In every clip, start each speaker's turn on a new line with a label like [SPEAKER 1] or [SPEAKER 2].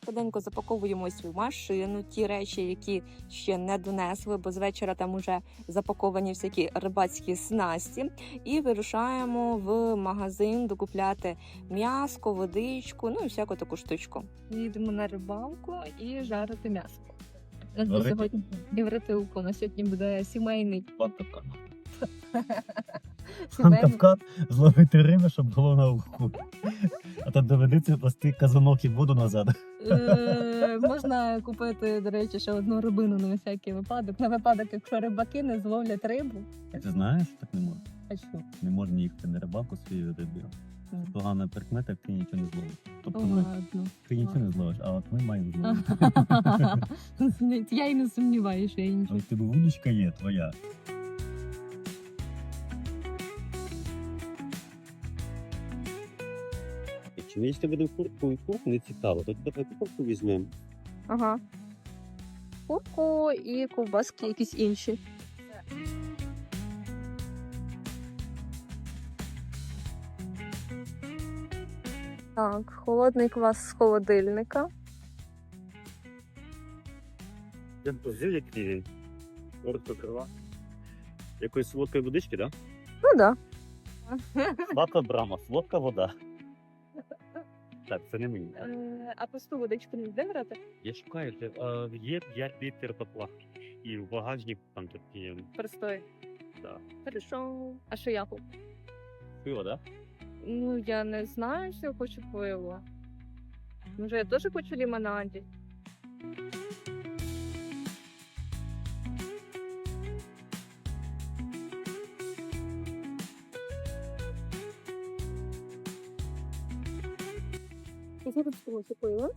[SPEAKER 1] Швиденько запаковуємось в машину, ті речі, які ще не донесли, бо з вечора там уже запаковані всякі рибацькі снасті. І вирушаємо в магазин докупляти м'яско, водичку, ну і всяку таку штучку. Їдемо на рибалку і жарити м'ясо. Сьогодні євротилку. На сьогодні буде сімейний
[SPEAKER 2] Кавказ зловити риби, щоб було на уху. А то доведеться пласти казанок і воду назад.
[SPEAKER 1] Можна купити, до речі, ще одну рибину на всякий випадок. На випадок, якщо рибаки не зловлять рибу.
[SPEAKER 2] А ти знаєш, так не можна.
[SPEAKER 1] А що?
[SPEAKER 2] Не можна їхати на рибалку своєю рибою. Це погана прикмета, як ти нічого не зловиш. Тобто
[SPEAKER 1] Ладно.
[SPEAKER 2] ти нічого не зловиш, а от ми маємо зловити.
[SPEAKER 1] Я й не сумніваюся, що я нічого.
[SPEAKER 2] Ось тебе вудочка є твоя.
[SPEAKER 3] Якщо ми їсти будемо курку і курку, не цікаво, то давай курку візьмемо.
[SPEAKER 1] Ага. Курку і ковбаски якісь інші. Так, холодний квас з холодильника.
[SPEAKER 3] Я позив, як рівень. Коротко крила. Якоїсь солодкої водички, так?
[SPEAKER 1] Ну так.
[SPEAKER 2] Сладка брама, солодка вода.
[SPEAKER 3] Так, це не мені.
[SPEAKER 1] А просту водичку не йде брати?
[SPEAKER 3] Я шукаю, є 5 літрів тепла. І в багажник там тут є.
[SPEAKER 1] Простой.
[SPEAKER 3] Да.
[SPEAKER 1] Хорошо. А що я хочу?
[SPEAKER 3] Пиво, так?
[SPEAKER 1] Ну, я не знаю, що я хочу пиво. Може, я теж хочу лимонаді? Я тут хочу пиво.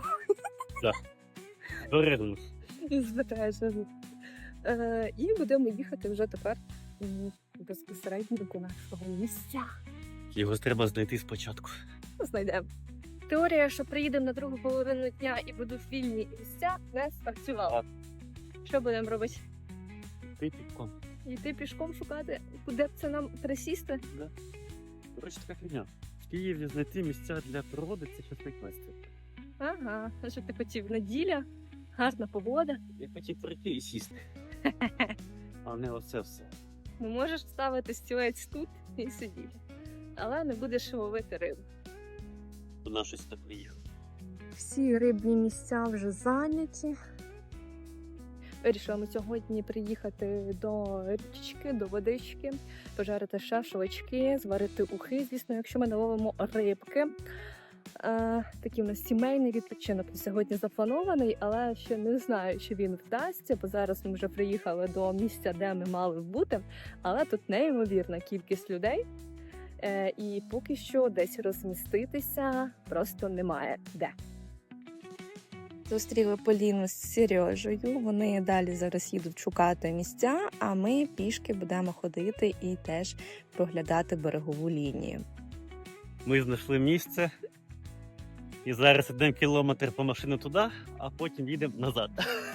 [SPEAKER 3] Дорогнус.
[SPEAKER 1] Звертаєшся. І будемо їхати вже тепер безпосередньо до нашого місця.
[SPEAKER 3] Його треба знайти спочатку.
[SPEAKER 1] Знайдемо. Теорія, що приїдемо на другу половину дня і будуть вільні місця, не спрацювала. Що будемо робити?
[SPEAKER 3] Ти піком.
[SPEAKER 1] Йти пішком шукати, куди б це нам присісти?
[SPEAKER 3] Да. Коротше, така фігня. В Києві знайти місця для природи – це щось найкраще.
[SPEAKER 1] Ага, а що ти хотів? Неділя, гарна погода.
[SPEAKER 3] Я хотів прийти і сісти. А не оце все.
[SPEAKER 1] Ну, можеш ставити стілець тут і сидіти. Але не будеш ловити рибу.
[SPEAKER 3] Вона щось так приїхала.
[SPEAKER 1] Всі рибні місця вже зайняті. Вирішила ми сьогодні приїхати до річки, до водички, пожарити шашлички, зварити ухи, звісно, якщо ми не ловимо рибки. Такий у нас сімейний відпочинок сьогодні запланований, але ще не знаю, чи він вдасться, бо зараз ми вже приїхали до місця, де ми мали бути, але тут неймовірна кількість людей. І поки що десь розміститися просто немає де. Зустріли Поліну з Сережею, вони далі зараз їдуть шукати місця, а ми пішки будемо ходити і теж проглядати берегову лінію.
[SPEAKER 3] Ми знайшли місце. І зараз йдемо кілометр по машину туди, а потім їдемо назад.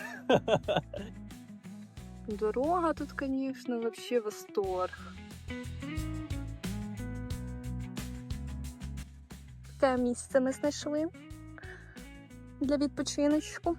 [SPEAKER 1] Дорога тут, звісно, взагалі восторг. Те місце ми знайшли для відпочиночку.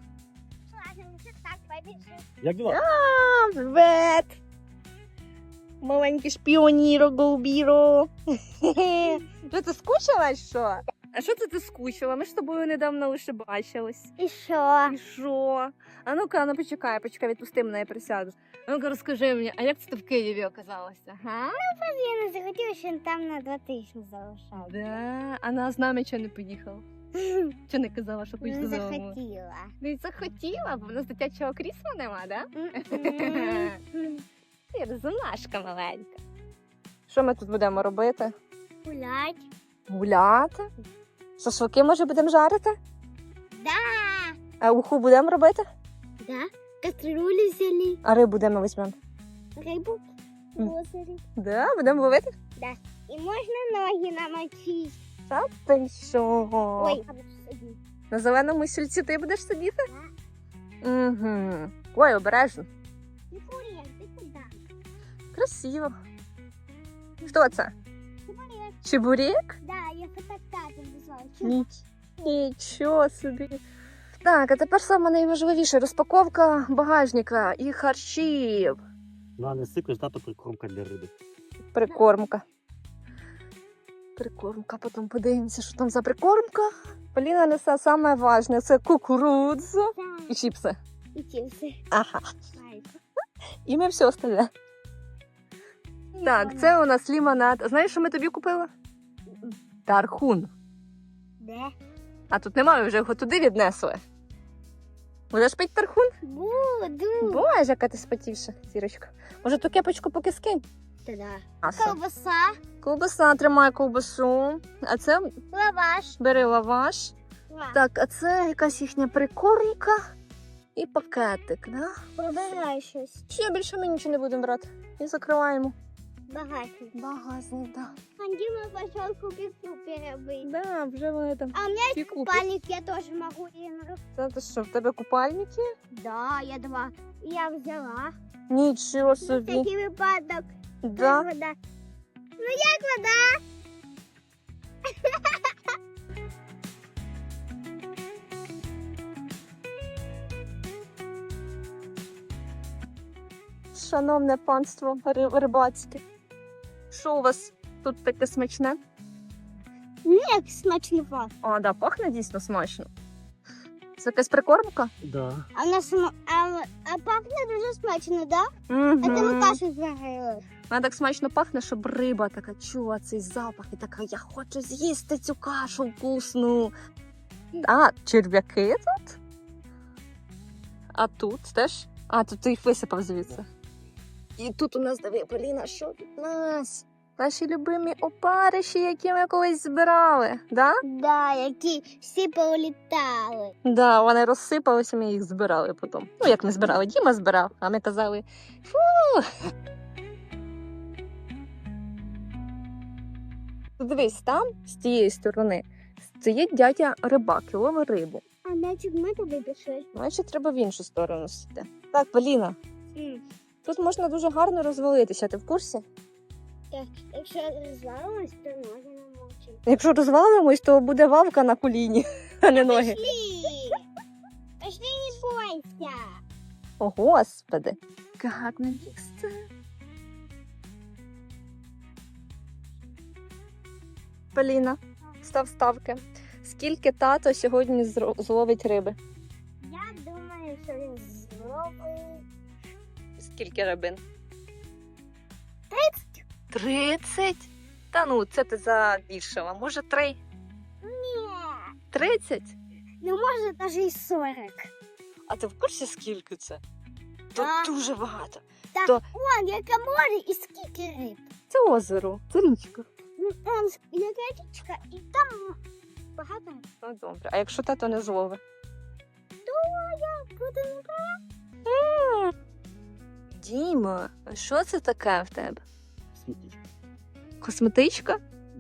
[SPEAKER 3] Як діла?
[SPEAKER 1] Привет! Маленький шпіоніро, голубіро. Що, ти скучила, що? А що це ти скучила? Ми ж з тобою недавно лише бачились.
[SPEAKER 4] І що?
[SPEAKER 1] І що? А ну-ка, ну почекай, відпусти мене, я присяду. А ну-ка, розкажи мені, а як це ти в Києві оказалася? Га?
[SPEAKER 4] Я не захотіла, що він там на 2 тижні залишав.
[SPEAKER 1] Да? А на з нами чого не поїхала? Чого не казала, що хочеш
[SPEAKER 4] Не
[SPEAKER 1] додому?
[SPEAKER 4] захотіла.
[SPEAKER 1] Не захотіла, бо в нас дитячого крісла нема, да? Ти розумашка маленька. Що ми тут будемо робити?
[SPEAKER 4] Гулять.
[SPEAKER 1] Гуляти? Шашлики, може, будемо жарити?
[SPEAKER 4] Да.
[SPEAKER 1] А уху будемо робити?
[SPEAKER 4] Да. Кастрюлю взяли.
[SPEAKER 1] А рибу де ми візьмемо?
[SPEAKER 4] Рибу в озері.
[SPEAKER 1] Да, будемо ловити?
[SPEAKER 4] І можна ноги намочити.
[SPEAKER 1] Та ти що?
[SPEAKER 4] Ой,
[SPEAKER 1] На зеленому сільці ти будеш сидіти? Угу. Ой, обережно.
[SPEAKER 4] ти куди?
[SPEAKER 1] Красиво. Хто це? Чебурек?
[SPEAKER 4] Да, я фотоапаратом везла.
[SPEAKER 1] Нічого собі. Так, а тепер саме найважливіше розпаковка багажника і харчів.
[SPEAKER 3] Ну, не сикуєш, тато прикормка для риби.
[SPEAKER 1] Прикормка. Прикормка, потім подивимося, що там за прикормка. Поліна несе саме важне, це кукурудзу і чіпси.
[SPEAKER 4] І чіпси.
[SPEAKER 1] Ага.
[SPEAKER 4] Майка.
[SPEAKER 1] І ми все остальне. Так, це у нас лімонад. Знаєш, що ми тобі купили? Тархун.
[SPEAKER 4] Де?
[SPEAKER 1] А тут немає, вже його туди віднесли. Будеш пити тархун?
[SPEAKER 4] Буду.
[SPEAKER 1] Боже, яка ти спотівша, зірочка. Може, ту кепочку поки скинь?
[SPEAKER 4] Та-да.
[SPEAKER 1] Аса.
[SPEAKER 4] Ковбаса,
[SPEAKER 1] Ковбаса, тримай ковбасу. А це
[SPEAKER 4] лаваш.
[SPEAKER 1] бери лаваш. Так, а це якась їхня прикормка і пакетик, да?
[SPEAKER 4] Пробирай щось.
[SPEAKER 1] Ще більше ми нічого не будемо брати. І закриваємо.
[SPEAKER 4] Багатий.
[SPEAKER 1] Багажник, да.
[SPEAKER 4] А Дима пошел купить робити.
[SPEAKER 1] Да, вже вони там.
[SPEAKER 4] А у меня
[SPEAKER 1] всі
[SPEAKER 4] есть
[SPEAKER 1] купять.
[SPEAKER 4] купальник, я тоже могу.
[SPEAKER 1] Це ти що, в тебе купальники?
[SPEAKER 4] Да, я два. Я взяла.
[SPEAKER 1] Нічого
[SPEAKER 4] На
[SPEAKER 1] собі.
[SPEAKER 4] всякий випадок.
[SPEAKER 1] Да.
[SPEAKER 4] Вода. Ну як вода?
[SPEAKER 1] Шановне панство рибацьке. Що у вас тут таке смачне?
[SPEAKER 4] Як смачно пахне.
[SPEAKER 1] О, да, пахне дійсно смачно. Це якась прикормка?
[SPEAKER 3] Да.
[SPEAKER 4] А, а пахне дуже смачно, да?
[SPEAKER 1] Угу.
[SPEAKER 4] Это ми кашу зварили.
[SPEAKER 1] Вона так смачно пахне, щоб риба така чула цей запах і така, я хочу з'їсти цю кашу вкусну. А, черв'яки тут? А тут теж? А, тут ти їх висипав звідси. І тут у нас, диви, Поліна, що тут у нас? Наші любимі опариші, які ми колись збирали, да?
[SPEAKER 4] Да, які всі політали.
[SPEAKER 1] Да, вони розсипалися, ми їх збирали потім. Ну, як не збирали, Діма збирав, а ми казали, фу. Дивись, там, з тієї сторони, стоїть дядя рибак і ловить рибу.
[SPEAKER 4] А значить ми туди пішли.
[SPEAKER 1] Значить, треба в іншу сторону сидіти. Так, Поліна, тут можна дуже гарно розвалитися, ти в курсі?
[SPEAKER 4] Так, якщо розвалилось, то ноги намочимо.
[SPEAKER 1] Якщо розвалимось, то буде вавка на коліні, а не ноги.
[SPEAKER 4] Пішли! Пішли, не бойся!
[SPEAKER 1] О, Господи. Яке гарне місце. Поліна, став ставки. Скільки тато сьогодні зловить риби?
[SPEAKER 4] Я думаю, що він зробить.
[SPEAKER 1] Скільки рибин? 30? Та ну, це ти забільшила. Може, 3?
[SPEAKER 4] Ні.
[SPEAKER 1] 30?
[SPEAKER 4] Ну, може, навіть і 40.
[SPEAKER 1] А ти в курсі, скільки це? Тут
[SPEAKER 4] А.
[SPEAKER 1] дуже багато.
[SPEAKER 4] Так,
[SPEAKER 1] То-
[SPEAKER 4] вон, яке море і скільки риб.
[SPEAKER 1] Це озеро, це річка.
[SPEAKER 4] Ну, он, яка річка, і там багато риб.
[SPEAKER 1] Ну, добре. А якщо тато не зловить?
[SPEAKER 4] Буде
[SPEAKER 1] Діма, а що це таке в тебе?
[SPEAKER 3] Смітіть.
[SPEAKER 1] Косметичка?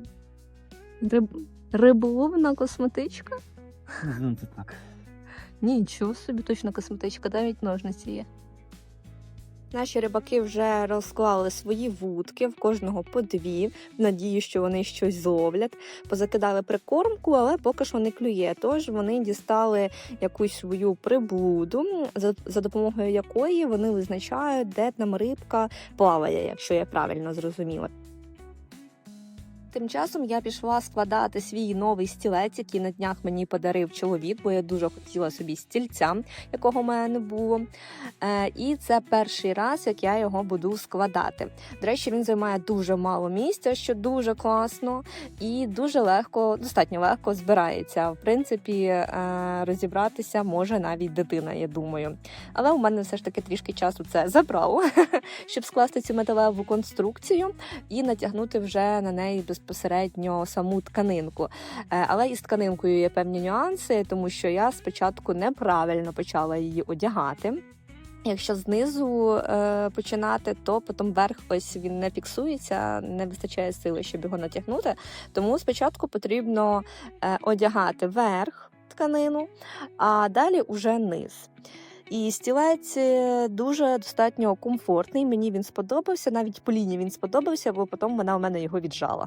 [SPEAKER 1] Риболовна косметичка?
[SPEAKER 3] Називаємо це так.
[SPEAKER 1] Нічого собі, точно косметичка, навіть ножниці є. Наші рибаки вже розклали свої вудки, в кожного по 2, в надії, що вони щось зловлять. Позакидали прикормку, але поки що не клює. Тож вони дістали якусь свою приблуду, за допомогою якої вони визначають, де там рибка плаває, якщо я правильно зрозуміла. Тим часом я пішла складати свій новий стілець, який на днях мені подарив чоловік, бо я дуже хотіла собі стільця, якого в мене не було. І це перший раз, як я його буду складати. До речі, він займає дуже мало місця, що дуже класно, і дуже легко, достатньо легко збирається. В принципі, розібратися може навіть дитина, я думаю. Але у мене все ж таки трішки часу це забрало, щоб скласти цю металеву конструкцію і натягнути вже на неї безпосередньо саму тканинку. Але із тканинкою є певні нюанси, тому що я спочатку неправильно почала її одягати. Якщо знизу починати, то потім верх ось він не фіксується, не вистачає сили, щоб його натягнути. Тому спочатку потрібно одягати верх тканину, а далі уже низ. І стілець дуже достатньо комфортний, мені він сподобався, навіть Поліні він сподобався, бо потім вона у мене його віджала.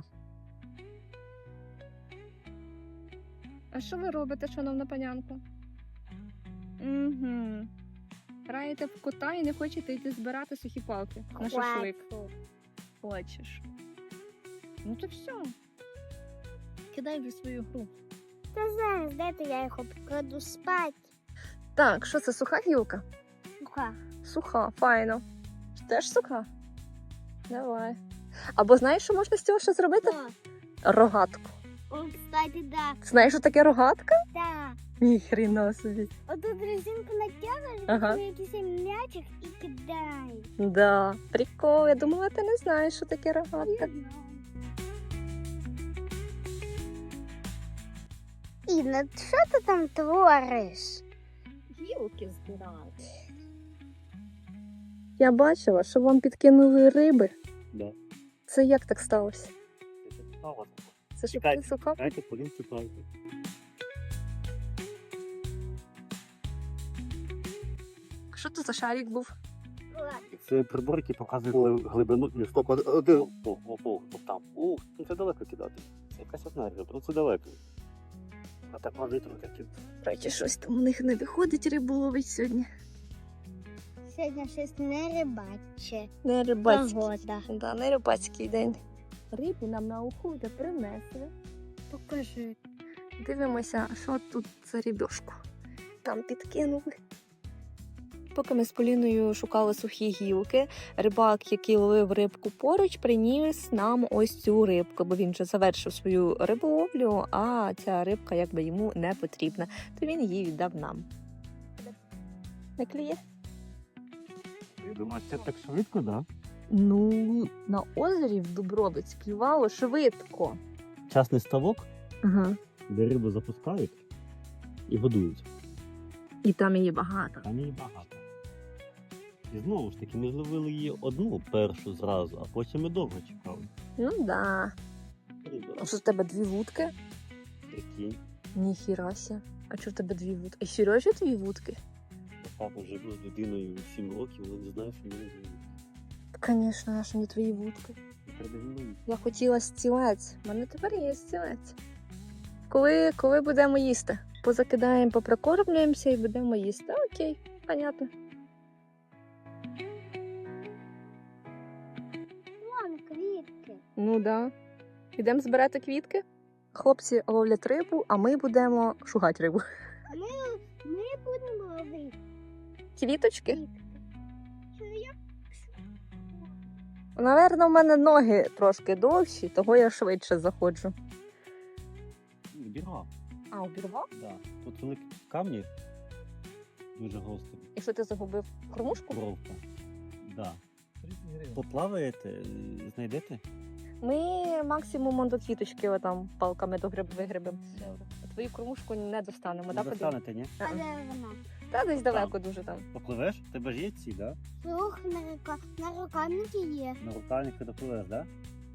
[SPEAKER 1] А що ви робите, шановна панянко? Угу. Граєте в кота і не хочете йти збирати сухі палки на шашлик.
[SPEAKER 4] Хватит.
[SPEAKER 1] Хочеш. Ну то все. Кидай вже свою гру.
[SPEAKER 4] Та зараз, дайте я його покладу спати.
[SPEAKER 1] Так, що це, суха гілка?
[SPEAKER 4] Уха.
[SPEAKER 1] Суха, файно. Теж суха? Давай. Або знаєш, що можна з цього ще зробити? Рогатку.
[SPEAKER 4] О, кстати, да.
[SPEAKER 1] Знаєш, що таке рогатка?
[SPEAKER 4] Да.
[SPEAKER 1] Ніхрена собі.
[SPEAKER 4] Отут резинку натягуєш,
[SPEAKER 1] Ага.
[SPEAKER 4] ага. Якийсь м'ячик і кидай.
[SPEAKER 1] Да, прикол. Я думала, ти не знаєш, що таке рогатка.
[SPEAKER 4] Інна, що ти там твориш?
[SPEAKER 1] Гілки збирають. Я бачила, що вам підкинули риби.
[SPEAKER 3] Да.
[SPEAKER 1] Це як так сталося? Це ж
[SPEAKER 3] Чекайте.
[SPEAKER 1] ти суха?
[SPEAKER 3] Дайте, полін цікавити.
[SPEAKER 1] Що це за шарик був?
[SPEAKER 3] Це прибор, який показує глибину і стоп. Один. Там. Ух, це далеко кидати. Це якась одна риба, ну це далеко. А так може таки.
[SPEAKER 1] Короче, щось там у них не виходить рибу сьогодні.
[SPEAKER 4] Сьогодні щось не рибаче.
[SPEAKER 1] Не рибацький.
[SPEAKER 4] Погода.
[SPEAKER 1] Да, не рибацький день. Рибу нам на уху вже принесли.
[SPEAKER 4] Покажи.
[SPEAKER 1] Дивимося, що тут за рибешку. Там підкинули. Поки ми з Поліною шукали сухі гілки, рибак, який ловив рибку поруч, приніс нам ось цю рибку, бо він вже завершив свою риболовлю, а ця рибка якби йому не потрібна, то він її віддав нам. Не клює?
[SPEAKER 3] Я думаю, це так швидко, да?
[SPEAKER 1] Ну, на озері в Дубровиць клювало швидко.
[SPEAKER 3] Частний ставок,
[SPEAKER 1] Ага.
[SPEAKER 3] де рибу запускають і годують.
[SPEAKER 1] І там її багато.
[SPEAKER 3] Там її багато. І знову ж таки, ми зловили її одну першу зразу, а потім ми довго чекали.
[SPEAKER 1] Ну да. А що в тебе дві вудки?
[SPEAKER 3] Прикинь,
[SPEAKER 1] Ніхірася. А чого в тебе дві вудки? І Сережі дві вудки?
[SPEAKER 3] папа живу з людиною 7 років, але не знаю, що мені зробити.
[SPEAKER 1] Звісно, а що не твої вудки. Я хотіла стілець. У мене тепер є стілець. Коли будемо їсти? Позакидаємо, поприкормлюємося і будемо їсти. Окей, понятно.
[SPEAKER 4] Вон квітки.
[SPEAKER 1] Ну да. Ідемо збирати квітки. Хлопці ловлять рибу, а ми будемо шугати рибу.
[SPEAKER 4] Ми будемо ловити
[SPEAKER 1] Квіточки?
[SPEAKER 4] квітки. Що я?
[SPEAKER 1] Наверно, в мене ноги трошки довші, того я швидше заходжу.
[SPEAKER 3] Бірга,
[SPEAKER 1] А, обірвав?
[SPEAKER 3] да. Тут великі камні, дуже гострі.
[SPEAKER 1] І що ти загубив? Кормушку?
[SPEAKER 3] Бровка. Да. Поплаваєте, знайдете?
[SPEAKER 1] Ми максимум до квіточки отам палками вигребемо. А твою кормушку не достанемо,
[SPEAKER 3] Не
[SPEAKER 1] так? Подивись?
[SPEAKER 3] достанете, ні?
[SPEAKER 4] А де вона?
[SPEAKER 1] Та десь далеко дуже там.
[SPEAKER 3] Попливеш? В тебе ж є ці, да?
[SPEAKER 4] Слух на рукавниці є.
[SPEAKER 3] На рукавнику допливеш, да?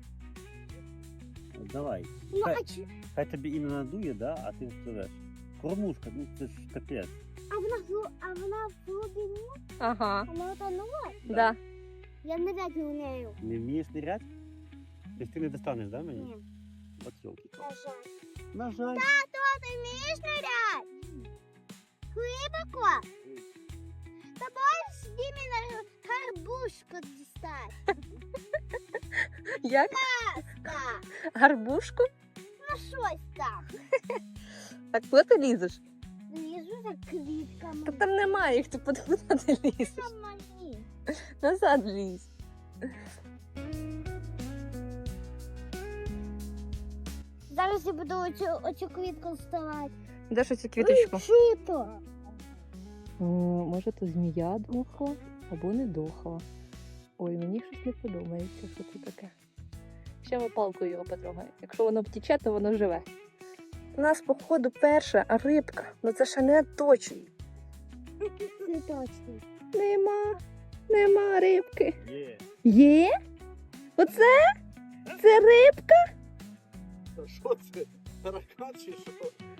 [SPEAKER 3] От давай.
[SPEAKER 4] Ну,
[SPEAKER 3] Хай,
[SPEAKER 4] а чи...
[SPEAKER 3] хай тобі і не надує, да? А ти впливеш. Кормушка, ну це ж капець.
[SPEAKER 4] А вона в глибині?
[SPEAKER 1] Ага,
[SPEAKER 4] Вона утонула?
[SPEAKER 1] да.
[SPEAKER 4] Я не даю в нею.
[SPEAKER 3] Не вмієш нирять? Тобто ти не достанеш, да, мені?
[SPEAKER 4] Ні.
[SPEAKER 3] От йолки.
[SPEAKER 4] На жаль.
[SPEAKER 3] На жаль.
[SPEAKER 4] Тато, ти вмієш нырять? Глибоко? Та можеш Дімі на гарбушку дістати?
[SPEAKER 1] Як?
[SPEAKER 4] Так.
[SPEAKER 1] Гарбушку?
[SPEAKER 4] Ну щось там.
[SPEAKER 1] Так куди ти лізеш?
[SPEAKER 4] Лізу за квітками.
[SPEAKER 1] Та там немає їх, ти куди ти лізеш?
[SPEAKER 4] Там мені.
[SPEAKER 1] Назад лізь.
[SPEAKER 4] Зараз я буду оцю квітку вставати.
[SPEAKER 1] Де ж цю квіточку?
[SPEAKER 4] Що то?
[SPEAKER 1] Може, то змія дохла або не дохла. Ой, мені щось не подобається, що це таке. Ще ми палкою його потрогаємо. Якщо воно втіче, то воно живе. У нас, походу, перша рибка. Ну це ще не точно.
[SPEAKER 4] Не точно.
[SPEAKER 1] Нема рибки.
[SPEAKER 3] Є.
[SPEAKER 1] Є? Оце? Це рибка?
[SPEAKER 3] Що це? Таракан чи що?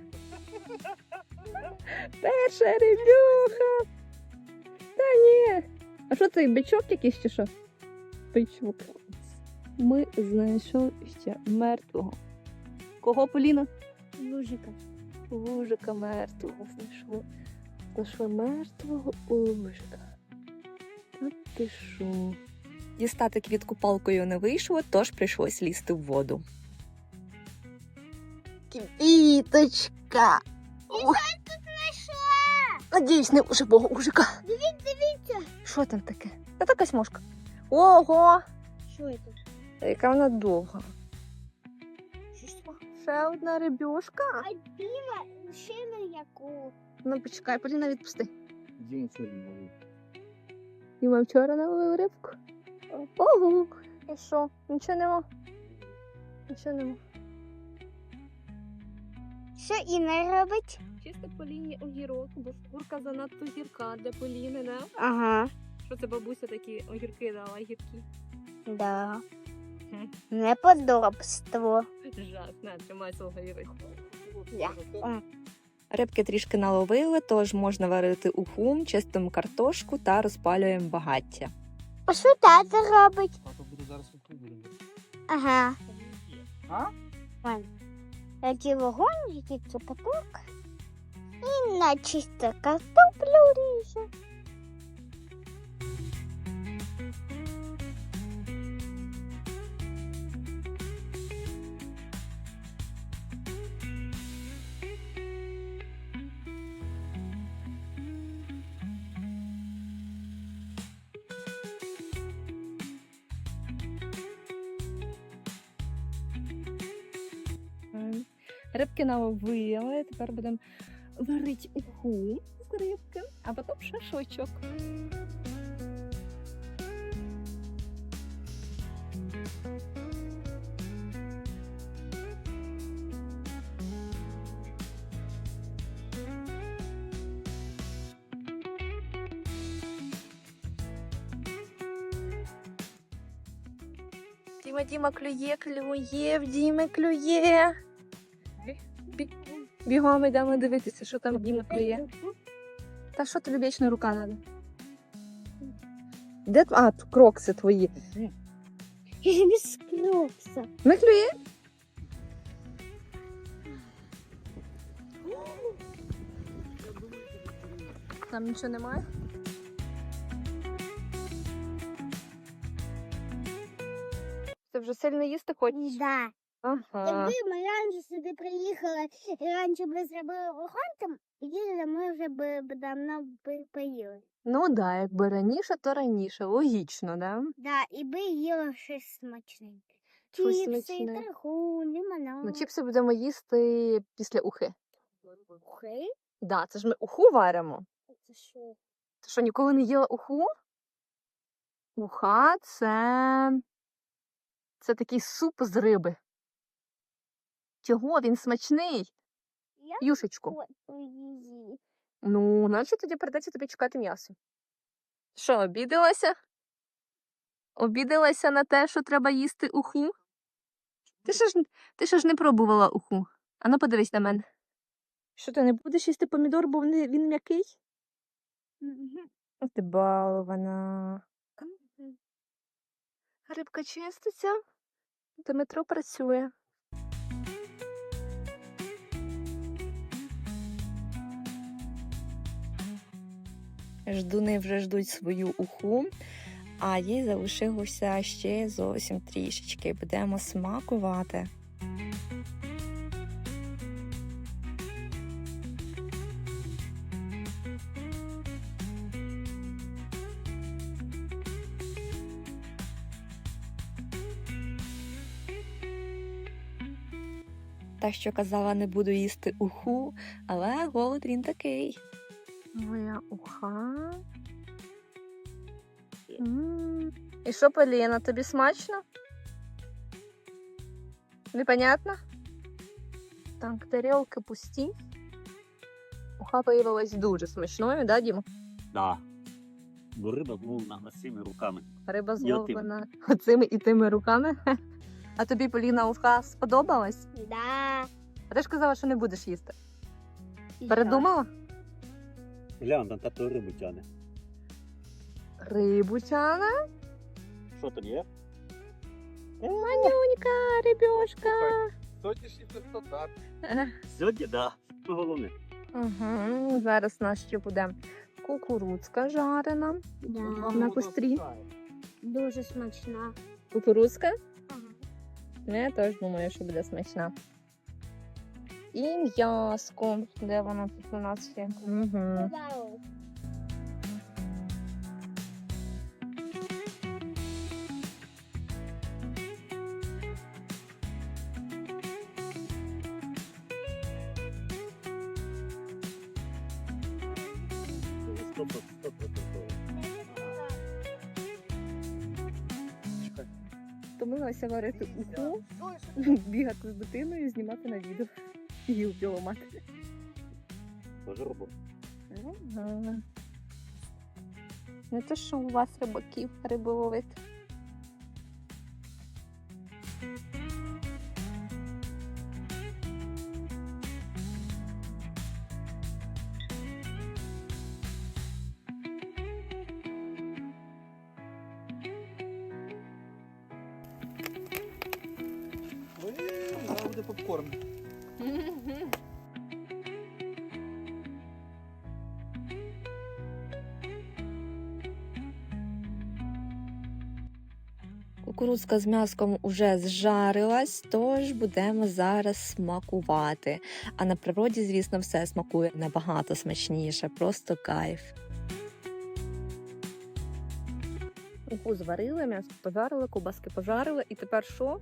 [SPEAKER 1] Перша рибюха. Та ні. А що це, бичок якийсь чи що? Бичок. Ми знайшли ще мертвого. Кого, Поліна?
[SPEAKER 4] Лужика.
[SPEAKER 1] Вужика мертвого знайшло. Нашла мертвого ужика. Та ти шо? Дістати квітку палкою не вийшло, тож прийшлось лізти в воду. Квіточка! Надіюсь, не живого ужика.
[SPEAKER 4] Дивіться.
[SPEAKER 1] Що там таке? Та така смужка. Ого!
[SPEAKER 4] Що це?
[SPEAKER 1] Яка вона довга.
[SPEAKER 4] Що?
[SPEAKER 1] Ще одна рибюшка.
[SPEAKER 4] А біла ще на яку?
[SPEAKER 1] Ну почекай, Поліна, відпусти.
[SPEAKER 2] Діма сьогодні ловив.
[SPEAKER 1] Діма вчора наловив рибку. Ого! І що? Нічого нема? Нічого нема.
[SPEAKER 4] Що Інна робить?
[SPEAKER 1] Чисто Поліні огірок, бо шкурка занадто гірка для Поліни, не?
[SPEAKER 4] Ага.
[SPEAKER 1] Що це бабуся такі огірки дала, гіркі?
[SPEAKER 4] Да. Неподобство.
[SPEAKER 1] Жах, на, тримай свого огірку.
[SPEAKER 4] Я.
[SPEAKER 1] Рибки трішки наловили, тож можна варити уху, чистимо картошку та розпалюємо багаття.
[SPEAKER 4] А що тато робить?
[SPEAKER 2] Тато буде зараз виходити.
[SPEAKER 4] Ага.
[SPEAKER 2] А?
[SPEAKER 4] Вон. Який вогонь, який цукаток. І на чисто картоплю ріже.
[SPEAKER 1] Рибки наловили, тепер будемо варити уху з рибки, а потім шашличок. Діма клює, в Діми клює. Бігом йдемо дивитися, що там Діма клює. Та що тобі вічно рука треба? Де крокси твої?
[SPEAKER 4] Без крокса.
[SPEAKER 1] Не клює? Там нічого немає? Ти вже сильно їсти хочеш?
[SPEAKER 4] Да.
[SPEAKER 1] Ага.
[SPEAKER 4] Якби ми раніше сюди приїхали і раніше б зробили вогонь там, тоді ми вже б давно поїли.
[SPEAKER 1] Ну да, якби раніше, то раніше. Логічно, да?
[SPEAKER 4] Да, і би їли щось смачненьке.
[SPEAKER 1] Щось
[SPEAKER 4] Чіпси,
[SPEAKER 1] смачне.
[SPEAKER 4] тархун, лимонад.
[SPEAKER 1] Ну, чіпси будемо їсти після ухи.
[SPEAKER 4] Ухи?
[SPEAKER 1] Да, це ж ми уху варимо.
[SPEAKER 4] Це що?
[SPEAKER 1] Ти що, ніколи не їла уху? Уха це такий суп з риби. Чого? Він смачний.
[SPEAKER 4] Я
[SPEAKER 1] Юшечку.
[SPEAKER 4] хочу її.
[SPEAKER 1] Ну, значить тоді прийдеться тобі чекати м'ясо. Що, обідалася? Обідалася на те, що треба їсти уху? Ти ще ж не пробувала уху. Ану, подивись на мене. Що ти не будеш їсти помідор, бо він м'який? Ти балована. Рибка чиститься, Дмитро працює. Ждуни вже ждуть свою уху, а їй залишилося ще зовсім трішечки. Будемо смакувати. Та, що казала, не буду їсти уху, але голод він такий. Моя уха. І що, Поліна, тобі смачно? Непонятно? Так, тарілки пусті. Уха виявилась дуже смачною, да, Діма?
[SPEAKER 3] Да. Бо риба зловлена цими руками.
[SPEAKER 1] Риба
[SPEAKER 3] І
[SPEAKER 1] зловлена оцими і тими руками. А тобі, Поліна, уха сподобалась?
[SPEAKER 4] Да.
[SPEAKER 1] А ти ж казала, що не будеш їсти.
[SPEAKER 4] І
[SPEAKER 1] Передумала?
[SPEAKER 3] Глянь, там тато рибу тяне.
[SPEAKER 1] Рибу тяне?
[SPEAKER 3] Що там є?
[SPEAKER 1] Манюнька, рибешка.
[SPEAKER 2] Сьогоднішній результат.
[SPEAKER 3] Сьогодні, да. Що головне?
[SPEAKER 1] Ага, зараз у нас ще буде кукурудзка жарена.
[SPEAKER 4] Да.
[SPEAKER 1] На кострі.
[SPEAKER 4] Дуже смачна.
[SPEAKER 1] Кукурудзка?
[SPEAKER 4] Ага.
[SPEAKER 1] Я теж думаю, що буде смачна. І м'яско. Де воно тут у нас є? Угу.
[SPEAKER 4] Вау.
[SPEAKER 1] Втомилася варити уху, бігати з дитиною, знімати на відео. І ламати.
[SPEAKER 3] Тоже робота.
[SPEAKER 1] Ага. Не те, що у вас рибаків риболовити.
[SPEAKER 5] Зараз буде попкорн.
[SPEAKER 1] Кукурудзка з м'яском уже зжарилась, тож будемо зараз смакувати. А на природі, звісно, все смакує набагато смачніше, просто кайф. Уху зварили, м'ясо пожарили, ковбаски пожарили, і тепер що?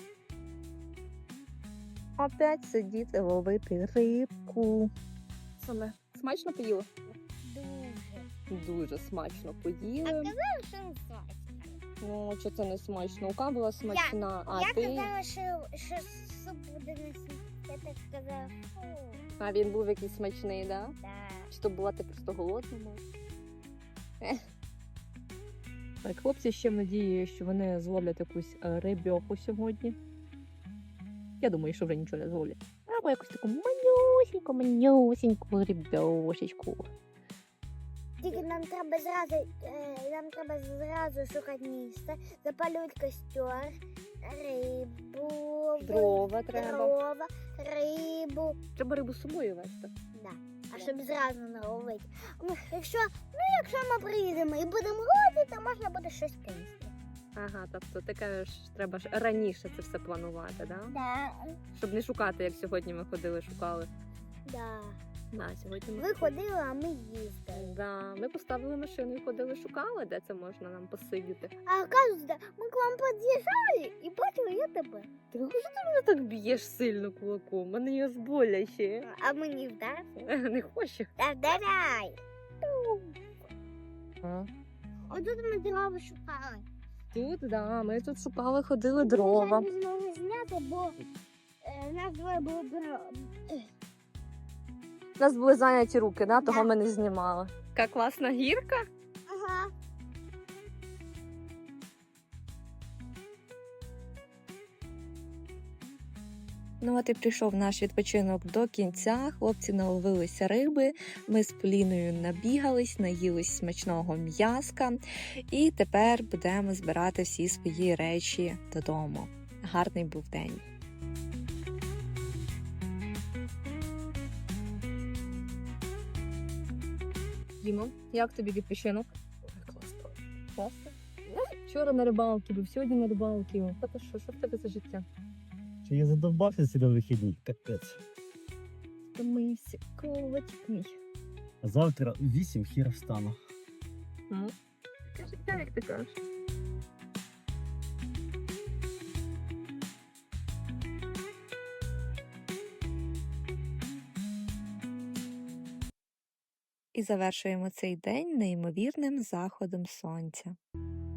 [SPEAKER 1] Опять сидіти ловити рибку. Саме смачно поїли?
[SPEAKER 4] Дуже.
[SPEAKER 1] Дуже смачно
[SPEAKER 4] А
[SPEAKER 1] поїли.
[SPEAKER 4] казала, що не смачно.
[SPEAKER 1] Ну, що це не смачно? Ука була смачна, а
[SPEAKER 4] Я
[SPEAKER 1] ти...
[SPEAKER 4] казала, що суп буде не смачний. Я так сказала, фу.
[SPEAKER 1] А він був якийсь смачний, да?
[SPEAKER 4] Да.
[SPEAKER 1] Чи то була ти просто голодна? може? Так, хлопці ще в надії, що вони зловлять якусь рибьоху сьогодні. Я думаю, що вже нічого не зловлять. Або якусь таку манюсіньку рибьошечку.
[SPEAKER 4] Тільки нам треба зразу шукати місце, запалювати костер, рибу,
[SPEAKER 1] Дрова треба.
[SPEAKER 4] дрова, рибу.
[SPEAKER 1] Треба рибу з собою вести.
[SPEAKER 4] Да. А щоб зразу наловити. Якщо ми приїдемо і будемо ловити, то можна буде щось кинути.
[SPEAKER 1] Ага, тобто ти кажеш, треба ж раніше це все планувати, да?
[SPEAKER 4] Да.
[SPEAKER 1] Щоб не шукати, як сьогодні ми ходили, шукали.
[SPEAKER 4] Да.
[SPEAKER 1] Да, сьогодні ми
[SPEAKER 4] Ви ходили, а ми їздили.
[SPEAKER 1] Да, ми поставили машину і ходили, шукали, де це можна нам посидіти.
[SPEAKER 4] А оказується, ми к вам під'їжджали і бачили я тебе.
[SPEAKER 1] Ти що ти мене так б'єш сильно кулаком? Мене його боляче.
[SPEAKER 4] А мені вдарити?
[SPEAKER 1] Не хочу.
[SPEAKER 4] Та вдаряй.
[SPEAKER 1] А.
[SPEAKER 4] Отут ми дрова шукали.
[SPEAKER 1] Тут, да, ми тут шукали, ходили дрова.
[SPEAKER 4] Ми не змогли зняти, бо в нас двоє було дрова.
[SPEAKER 1] У нас були зайняті руки, да, того
[SPEAKER 4] Да.
[SPEAKER 1] ми не знімали. Яка класна гірка.
[SPEAKER 4] Ага.
[SPEAKER 1] Ну, от і прийшов наш відпочинок до кінця. Хлопці наловилися риби. Ми з Поліною набігались, наїлись смачного м'яска. І тепер будемо збирати всі свої речі додому. Гарний був день. Дімо, як тобі відпочинок?
[SPEAKER 2] Класно.
[SPEAKER 1] Класно. Вчора на рибалки був, сьогодні на рибалки. Та що в тебе за життя?
[SPEAKER 2] Чи я задовбався ці на вихідні? Капець.
[SPEAKER 1] Втомився, ковачик мій.
[SPEAKER 2] А завтра у 8 хіра встану.
[SPEAKER 1] Таке життя, як ти кажеш. І завершуємо цей день неймовірним заходом сонця.